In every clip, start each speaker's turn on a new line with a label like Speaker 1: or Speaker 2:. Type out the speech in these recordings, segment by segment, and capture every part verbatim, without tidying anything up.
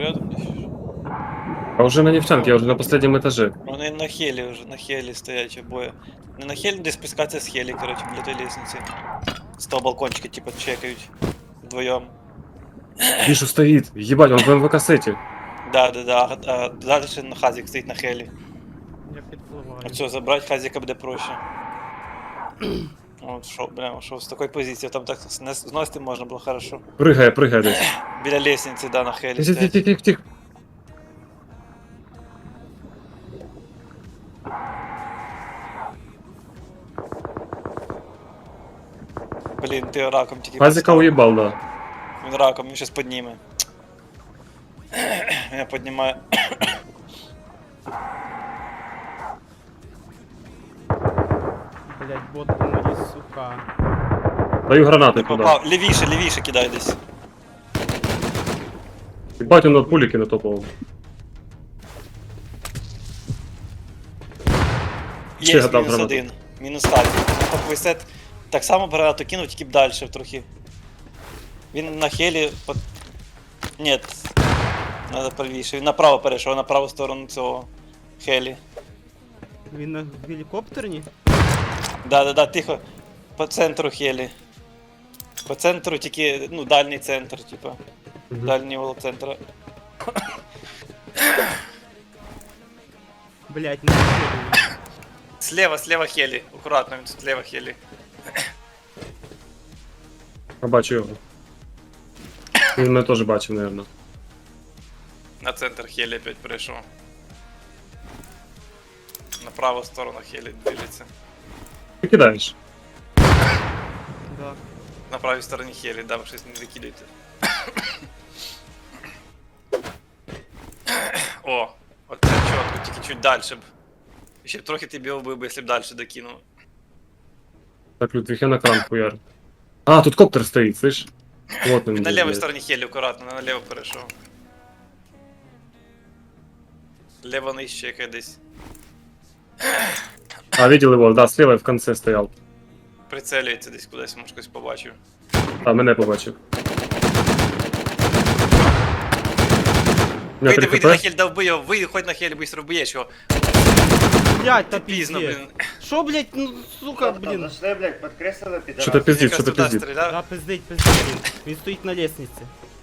Speaker 1: рядом десь.
Speaker 2: А уже на нефтянке, я уже на последнем этаже.
Speaker 1: Вони на хелі вже, на хелі стоять обоє. Не на хелі, де спускатися з хелі, короче, біля той лестниці. З того балкончика, типа, чекають. Вдвоєм.
Speaker 2: Вижу, стоит. Ебать, он в эм вэ кассете.
Speaker 1: Да, да, да. А, а далі на хазик стоїть на хелі.
Speaker 3: Я підпливаю.
Speaker 1: А все, забрати хазика буде проще. От, шо, бля, шо з такої позиції, там так снес- зносити можна було хорошо.
Speaker 2: Прыгай, прыгай десь.
Speaker 1: Біля лестниці, да, на хелі
Speaker 2: Тихо, тихо,
Speaker 1: стоять.
Speaker 2: тихо, тихо.
Speaker 1: Блін, ти раком тільки
Speaker 2: Хазика
Speaker 1: поставив.
Speaker 2: уебал, да.
Speaker 1: Він раком, він щас підніме. Я піднімаю.
Speaker 3: Блять, бот по мені, сука.
Speaker 2: Даю гранаты
Speaker 1: Не
Speaker 2: туда.
Speaker 1: попав. Лівіше, лівіше кидай десь.
Speaker 2: Ебать, он от пулики натопал. Ще
Speaker 1: Є
Speaker 2: гадав
Speaker 1: мінус
Speaker 2: гранату.
Speaker 1: один. Мінус так. Поки сет так само багато кинув, тільки б далі трохи. Він на хелі. По... Ні. Надо правіше. Він направо перейшов, на праву сторону цього хелі.
Speaker 3: Він на гелікоптерні?
Speaker 1: Да, да, да, тихо. По центру хелі. По центру тільки, ну, дальній центр, типа.
Speaker 2: Мгм.
Speaker 1: Дальній угол центра.
Speaker 3: Блять, не виходить.
Speaker 1: Слева, слева хелі. Акуратно, він слева хелі.
Speaker 2: Я бачу його. Він мене теж бачив, наверное.
Speaker 1: На центр хелі опять перейшов. На праву сторону хелі движеться.
Speaker 2: Ти кидаєш.
Speaker 3: Да.
Speaker 1: На правій стороні хелі, да, ви щось не закидайте. О, от це чітко, тільки чуть далі б. Ще б трохи тебе вбив би, якщо б далі докинув.
Speaker 2: Так, Людвиг, я на кран хуяр. А, тут коптер стоит, слышь? Вот он.
Speaker 1: Він на
Speaker 2: здесь,
Speaker 1: лівій
Speaker 2: блядь.
Speaker 1: стороні хелі, акуратно, наліво перейшов. Лево нижче яке десь.
Speaker 2: А, видел его, да, слева в конце стоял.
Speaker 1: Прицелюється десь кудись, може когось побачив.
Speaker 2: А, мене побачив. У мене
Speaker 1: Вийди,
Speaker 2: три
Speaker 1: вийди на
Speaker 2: хп.
Speaker 1: хель, да вбий його, вийди, хоч на хелі, быстро вб'єш його.
Speaker 3: Блять, та
Speaker 1: Пізно,
Speaker 3: пізно,
Speaker 1: блін.
Speaker 3: Шо, блять, ну, сука,
Speaker 4: Там
Speaker 3: блін.
Speaker 4: зашли, блядь, подкреслили, пидорас.
Speaker 2: Что-то пиздит,
Speaker 1: Якраз
Speaker 2: что-то
Speaker 1: туди
Speaker 2: пиздит.
Speaker 1: стріляв.
Speaker 3: Да, пиздить, пиздить, блін. Він стоїть на лестниці.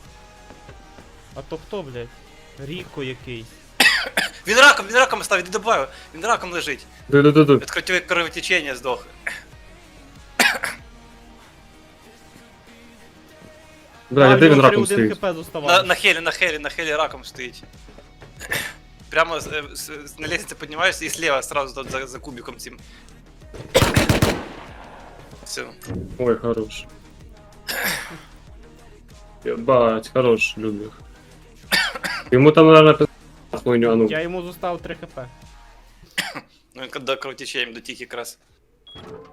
Speaker 3: А то хто, блять? Ріко якийсь.
Speaker 1: Він раком, він раком став, іди добавив. Він раком лежить.
Speaker 2: Ду-ду-ду-ду.
Speaker 1: Від кровотечення кровотечення здох.
Speaker 2: Бля,
Speaker 3: А,
Speaker 2: де
Speaker 3: в
Speaker 2: він
Speaker 3: нього
Speaker 2: раком
Speaker 3: три один
Speaker 2: стоїть?
Speaker 3: хп
Speaker 1: На,
Speaker 3: зоставалось.
Speaker 1: на хелі, на хелі, на хелі раком стоїть. Прямо з, е, з, з- на лестнице піднімаєшся і слева сразу тут за, за кубиком цим. Все.
Speaker 2: Ой, хорош. Ебать, хорош, Людвиг. Ему там, наверное, пи***ць хуйню, а ну.
Speaker 3: Я йому зостав три хп.
Speaker 1: Ну він до кровотечення, до тих якраз.